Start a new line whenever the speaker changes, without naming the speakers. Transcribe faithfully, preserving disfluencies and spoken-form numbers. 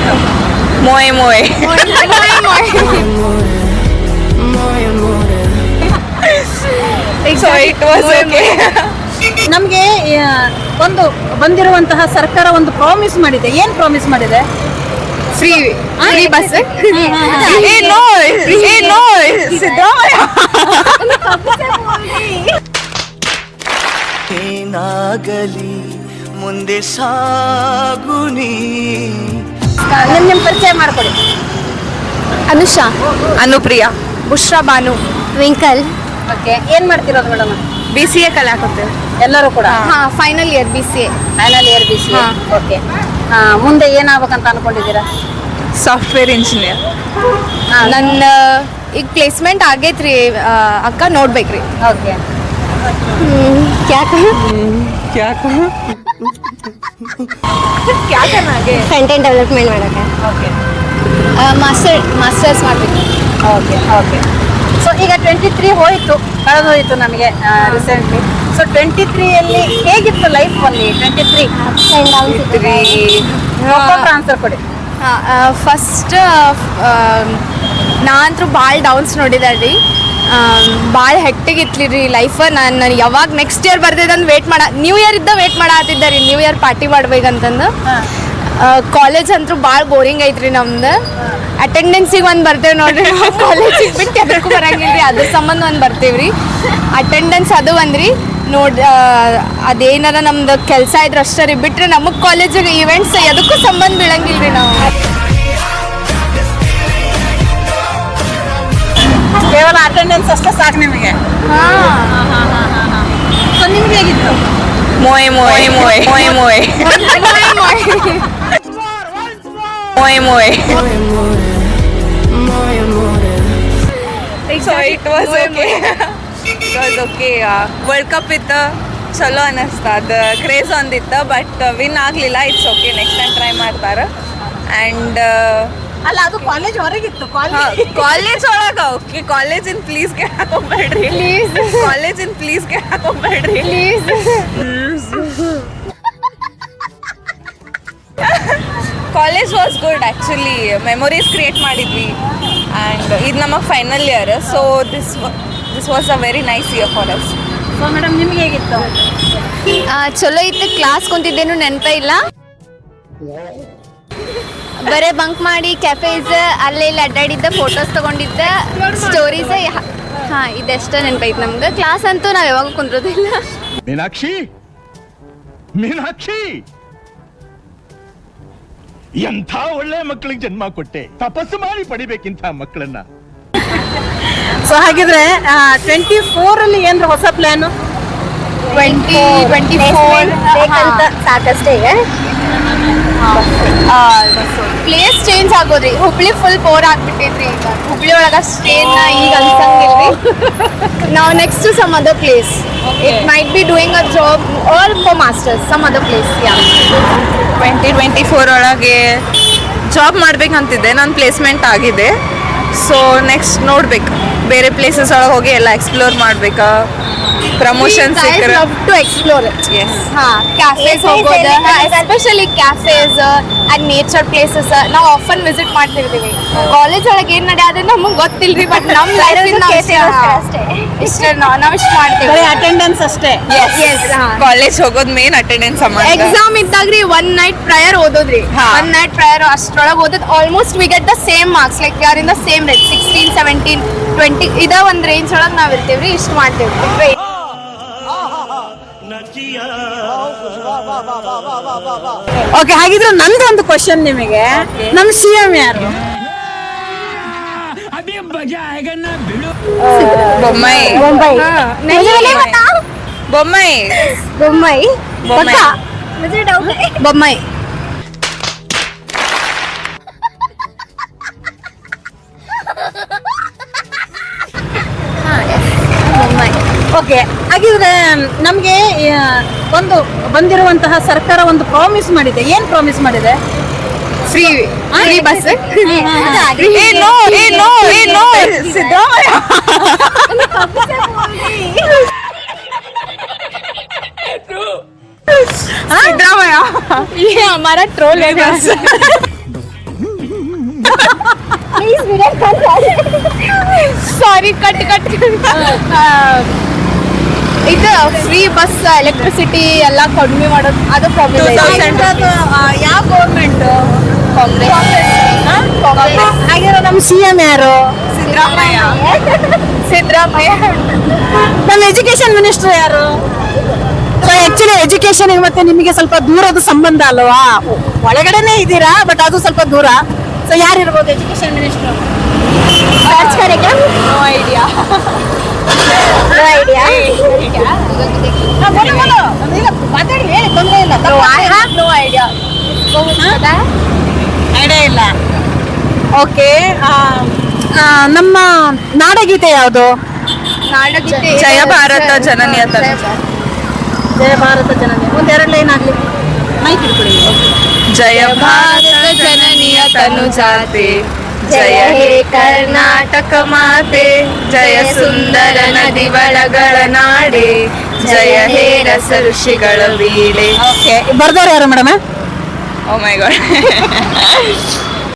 ಮೊಯ್ ಮೊಯ್ so it was okay.
ನಮಗೆ ಒಂದು ಬಂದಿರುವಂತಹ ಸರ್ಕಾರ ಒಂದು ಪ್ರಾಮಿಸ್ ಮಾಡಿದೆ. ಏನ್ ಪ್ರಾಮಿಸ್ ಮಾಡಿದೆ?
Free free bus.
ಏನಾಗಲಿ ಮುಂದೆ ಸಾಗುನಿ.
ನಿಮ್ ನಿಮ್ ಪರಿಚಯ ಮಾಡ್ಕೊಡಿ.
ಅನುಷಾ,
ಅನುಪ್ರಿಯಾ,
ಬುಷ್ರಾ ಬಾನು, ಟ್ವಿಂಕಲ್.
ಓಕೆ, ಏನ್ ಮಾಡ್ತಿರೋದು ಮೇಡಮ್?
ಬಿ ಸಿ ಎ ಕಲಿಯಾಕತ್ತೇವೆ
ಎಲ್ಲರೂ ಕೂಡ.
ಹಾ, final year B C A.
Final year B C A. Okay, ಮುಂದೆ ಏನಾಗ್ಬೇಕಂತ ಅನ್ಕೊಂಡಿದ್ದೀರಾ?
Software engineer.
ನನ್ನ ಈಗ ಪ್ಲೇಸ್ಮೆಂಟ್ ಆಗೈತ್ರಿ ಅಕ್ಕ, ನೋಡ್ಬೇಕ್ರಿ.
ಓಕೆ,
ಫ್ರಂಟ್ ಎಂಡ್ ಡೆವಲಪ್ಮೆಂಟ್ ಮಾಡಕ್ಕೆ.
ಓಕೆ,
ಮಾಸ್ಟರ್ ಮಾಸ್ಟರ್ಸ್ ಮಾಡಬೇಕು.
Okay, okay. ಸೊ ಈಗ ಟ್ವೆಂಟಿ ತ್ರೀ ಹೋಯಿತು, ಕಳೆದು ಹೋಯಿತು ನಮಗೆ ರೀಸೆಂಟ್ಲಿ. ಸೊ ಟ್ವೆಂಟಿ ತ್ರೀಯಲ್ಲಿ ಹೇಗಿತ್ತು ಲೈಫ್? ಅಲ್ಲಿ ಟ್ವೆಂಟಿ ತ್ರೀ ಆನ್ಸರ್ ಕೊಡಿ.
ಫಸ್ಟ್ ನಾ ಅಂತೂ ಭಾಳ ಡೌನ್ಸ್ ನೋಡಿದೆ ರೀ. ಭಾಳ ಹೆಕ್ಟಿಗಿತ್ಲಿ ರೀ ಲೈಫ್. ನಾನು ನಾನು ಯಾವಾಗ ನೆಕ್ಸ್ಟ್ ಇಯರ್ ಬರ್ತಿದ್ದಂದು ವೇಟ್ ಮಾಡ ನ್ಯೂ ಇಯರ್ ಇದ್ದ ವೇಟ್ ಮಾಡತ್ತಿದ್ದೆ ರೀ, ನ್ಯೂ ಇಯರ್ ಪಾರ್ಟಿ ಮಾಡ್ಬೇಕಂತಂದು. ಕಾಲೇಜ್ ಅಂತೂ ಭಾಳ ಬೋರಿಂಗ್ ಐತ್ರಿ ನಮ್ದು. ಅಟೆಂಡೆನ್ಸಿಗೆ ಒಂದು ಬರ್ತೇವೆ ನೋಡ್ರಿ, ಕಾಲೇಜಿಗೆ ಬಿಟ್ಟು ಅದಕ್ಕೂ ಬರಂಗಿಲ್ಲ ರೀ, ಅದ್ರ ಸಂಬಂಧ ಒಂದು ಬರ್ತೀವಿ ರೀ. ಅಟೆಂಡೆನ್ಸ್ ಅದು ಒಂದ್ರಿ ನೋಡಿ. ಅದೇನಾರ ನಮ್ದು ಕೆಲಸ ಇದ್ರೆ ಅಷ್ಟೇ ರೀ, ಬಿಟ್ಟರೆ ನಮಗೆ ಕಾಲೇಜಿಗೆ ಇವೆಂಟ್ಸ್ ಅದಕ್ಕೂ ಸಂಬಂಧ ಬೀಳಂಗಿಲ್ಲ ರೀ. ನಾವು
ಕೇವಲ ಅಟೆಂಡೆನ್ಸ್ ಅಷ್ಟೇ ಸಾಕು ನಿಮಗೆ?
ಹಾಂ.
ಸೊ ನಿಮ್ಗೆ ಹೇಗಿತ್ತು?
ಮೊಯ್ ಮೊಯ್ ಮೊಯ್ ಮೊಯ್ ಮೊಯ್ ಮೊಯ್ ಮೊಯ್. So it was okay, it was okay. World cup ಇತ್ತು, ಚಲೋ ಅನ್ನಿಸ್ತ. ಅದು ಕ್ರೇಜ್ ಒಂದಿತ್ತು, ಬಟ್ ವಿನ್ ಆಗಲಿಲ್ಲ. It's okay, next time try ಮಾಡ್ತಾರೆ. ಆ್ಯಂಡ್
ಅಲ್ಲ, ಅದು ಕಾಲೇಜ್ ಹೊರಗಿತ್ತು.
ಕಾಲೇಜ್ ಒಳಗೆ ಓಕೆ, ಕಾಲೇಜಿನ ಪ್ಲೀಸ್ ಕೇಳಕ್ ಹೋಗ್ಬೇಡ್ರಿ, ಪ್ಲೀಸ್. ಕಾಲೇಜಿನ ಪ್ಲೀಸ್ ಕೇಳಕ್ ಹೋಗ್ಬೇಡ್ರಿ, please. College was good actually. Memories create ಮಾಡಿದ್ವಿ. ಆ್ಯಂಡ್ ಇದು ನಮಗೆ final year. So this this was a very nice year for us.
So madam, ನಿಮ್ಗೆ ಹೇಗಿತ್ತು?
ಚಲೋ ಇತ್ತು. ಕ್ಲಾಸ್ ಕುಂತಿದ್ದೇನು ನೆನಪೇ ಇಲ್ಲ. ಬರೇ ಬಂಕ್ ಮಾಡಿ ಕ್ಯಾಫೇಸ್ ಅಲ್ಲೇ ಇಲ್ಲಿ ಅಡ್ಡಾಡಿದ್ದ, ಫೋಟೋಸ್ ತೊಗೊಂಡಿದ್ದ, ಸ್ಟೋರೀಸ್. ಹಾಂ, ಇದೆಷ್ಟ ನೆನಪೈತೆ ನಮ್ಗೆ. ಕ್ಲಾಸ್ ಅಂತೂ ನಾವು ಯಾವಾಗ ಕುಂದ್ರೋದಿಲ್ಲ.
ಮೀನಾಕ್ಷಿ, ಮೀನಾಕ್ಷಿ, ಎಂಥ ಒಳ್ಳೆ ಮಕ್ಕಳಿಗೆ ಜನ್ಮ ಕೊಟ್ಟೆ. ತಪಸ್ಸು ಮಾಡಿ ಪಡಿಬೇಕಿಂತ ಮಕ್ಕಳನ್ನ.
ಸೊ ಹಾಗಿದ್ರೆ ಟ್ವೆಂಟಿ ಫೋರ್ ಅಲ್ಲಿ ಏನ್ರ ಹೊಸ ಪ್ಲಾನು?
ಟ್ವೆಂಟಿ ಟ್ವೆಂಟಿ ಫೋರ್
ಸಾಕಷ್ಟೇ.
ಪ್ಲೇಸ್ ಚೇಂಜ್ ಆಗೋದ್ರಿ. ಹುಬ್ಳಿ ಫುಲ್ ಬೋರ್ ಆಗ್ಬಿಟ್ಟೈತ್ರಿ. ಈಗ ಹುಬ್ಳಿ ಒಳಗ ಸ್ಟೇನ್ ಈಗ ಅನ್ಸಂಗಿಲ್ರಿ. ನಾವು next some other place. It might be doing a job or for masters some other place. Yeah,
twenty twenty four ಒಳಗೆ ಜಾಬ್ ಮಾಡ್ಬೇಕಂತಿದ್ದೆ. ನನ್ನ ಪ್ಲೇಸ್ಮೆಂಟ್ ಆಗಿದೆ. ಸೊ ನೆಕ್ಸ್ಟ್ ನೋಡ್ಬೇಕು, ಬೇರೆ ಪ್ಲೇಸಸ್ ಒಳಗೆ ಹೋಗಿ ಎಲ್ಲ ಎಕ್ಸ್ಪ್ಲೋರ್ ಮಾಡ್ಬೇಕಾ. ಪ್ರಮೋಷನ್ ಸಿಕ್ಕರೆ
ಲವ್ ಟು ಎಕ್ಸ್ಪ್ಲೋರ್.
ಎಸ್.
ಹಾಂ, ಕ್ಯಾಫೇಸ್ ಹೋಗೋದು, especially cafes and nature places ನಾವು ಆಫನ್ ವಿಸಿಟ್ ಮಾಡ್ತಿರ್ತೀವಿ. ಕಾಲೇಜ್ ಒಳಗೆ ಏನು ನಡೆಯೋದು ನಮಗೆ ಗೊತ್ತಿಲ್ರಿ, ಬಟ್ ನಮ್ಮ ಲೈಫಿಂದ ಇಷ್ಟೇ ನಾವು ಇಷ್ಟು ಮಾಡ್ತೀವಿ.
ಅಟೆಂಡೆನ್ಸ್ ಅಷ್ಟೇ.
ಕಾಲೇಜ್ ಹೋಗೋದು ಮೇನ್ ಅಟೆಂಡೆನ್ಸ್.
ಎಕ್ಸಾಮ್ ಇದ್ದಾಗ್ರಿ ಒನ್ ನೈಟ್ ಪ್ರಯರ್ ಓದೋದ್ರಿ. ಒನ್ ನೈಟ್ ಪ್ರಯರ್ ಅಷ್ಟ್ರೊಳಗೆ ಓದೋದು. Almost we get the same marks, like ಯಾರ್ in the same rate, sixteen seventeen twenty ಇದ ಒಂದು ರೇಂಜ್ ಒಳಗೆ ನಾವು ಇರ್ತೀವ್ರಿ. ಇಷ್ಟು ಮಾಡ್ತೇವ್ರಿ.
ಓಕೆ, ಹಾಗಿದ್ರೆ ನಂದು ಒಂದು ಕ್ವಶನ್ ನಿಮಗೆ. ನಮ್ಮ ಸಿ ಎಂ ಯಾರು?
ಬೊಮ್ಮಾಯಿ.
ಬೊಂಬೈ.
ಬೊಮ್ಮಾಯಿ.
ಬೊಮ್ಮಾಯಿ. ಬೊಮ್ಮಾಯಿ.
ಓಕೆ, ಹಾಗಿದ್ರೆ ನಮಗೆ ಒಂದು ಬಂದಿರುವಂತಹ ಸರ್ಕಾರ ಒಂದು ಪ್ರಾಮಿಸ್ ಮಾಡಿದೆ. ಏನ್ ಪ್ರಾಮಿಸ್ ಮಾಡಿದೆ?
Free free bus.
सिद्धरामैया
ये हमारा ट्रोल है बस. ಸಾರಿ ಕಟ್ ಕಟ್ ಇದು ಫ್ರೀ ಬಸ್ ಎಲೆಕ್ಟ್ರಿಸಿಟಿ ಎಲ್ಲ ಕಡಿಮೆ ಮಾಡೋದು ಅದು ಪ್ರಾಬ್ಲಮ್
ಯಾವ ಗೌರ್ಮೆಂಟ್
ಕಾಂಗ್ರೆಸ್
ಆಗಿರೋ ನಮ್ಮ ಸಿ ಎಂ ಯಾರು?
ಸಿದ್ದರಾಮಯ್ಯ ಸಿದ್ದರಾಮಯ್ಯ
ನಮ್ಮ ಎಜುಕೇಶನ್ ಮಿನಿಸ್ಟರ್ ಯಾರು? ಸೊ ಆಕ್ಚುಲಿ ಎಜುಕೇಶನ್ ಮತ್ತೆ ನಿಮಗೆ ಸ್ವಲ್ಪ ದೂರದ ಸಂಬಂಧ ಅಲ್ವಾ? ಒಳಗಡೆನೆ ಇದ್ದೀರಾ ಬಟ್ ಅದು ಸ್ವಲ್ಪ ದೂರ. ಸೊ ಯಾರು ಇರ್ಬೋದು education minister?
Search correct no idea
no idea. ಮಾತಾಡಿ ಹೇಳಿ, ತೊಂದರೆ ಇಲ್ಲ.
No, I have no idea.
Idea ಇಲ್ಲ. ಓಕೆ, ನಮ್ಮ ನಾಡಗೀತೆ ಯಾವುದು?
ನಾಡಗೀತೆ
ಜಯ ಭಾರತ ಜನನಿಯ ತನು.
ಜಯ ಭಾರತ ಜನನಿ. ಒಂದೆರಡು ಲೈನ್ ಆಗ್ಲಿ, ಮೈಕ್ ಇಟ್ಕೊಳ್ಳಿ.
ಜಯ ಭಾರತ ಜನನಿಯ ತನು ಜಾತೆ, ಜಯ ಹೇ ಕರ್ನಾಟಕ ಮಾತೆ, ಜಯ ಸುಂದರ ನದಿ ಬಳಗಳ ನಾಡೆ, ಜಯ ಹೇ ರಸ ಋಷಿಗಳ ವೀಡೆ.
ಓಕೆ, ಬರ್ದವ್ರು ಯಾರು ಮೇಡಮ್?
ಓ ಮೈ ಗಾಡ್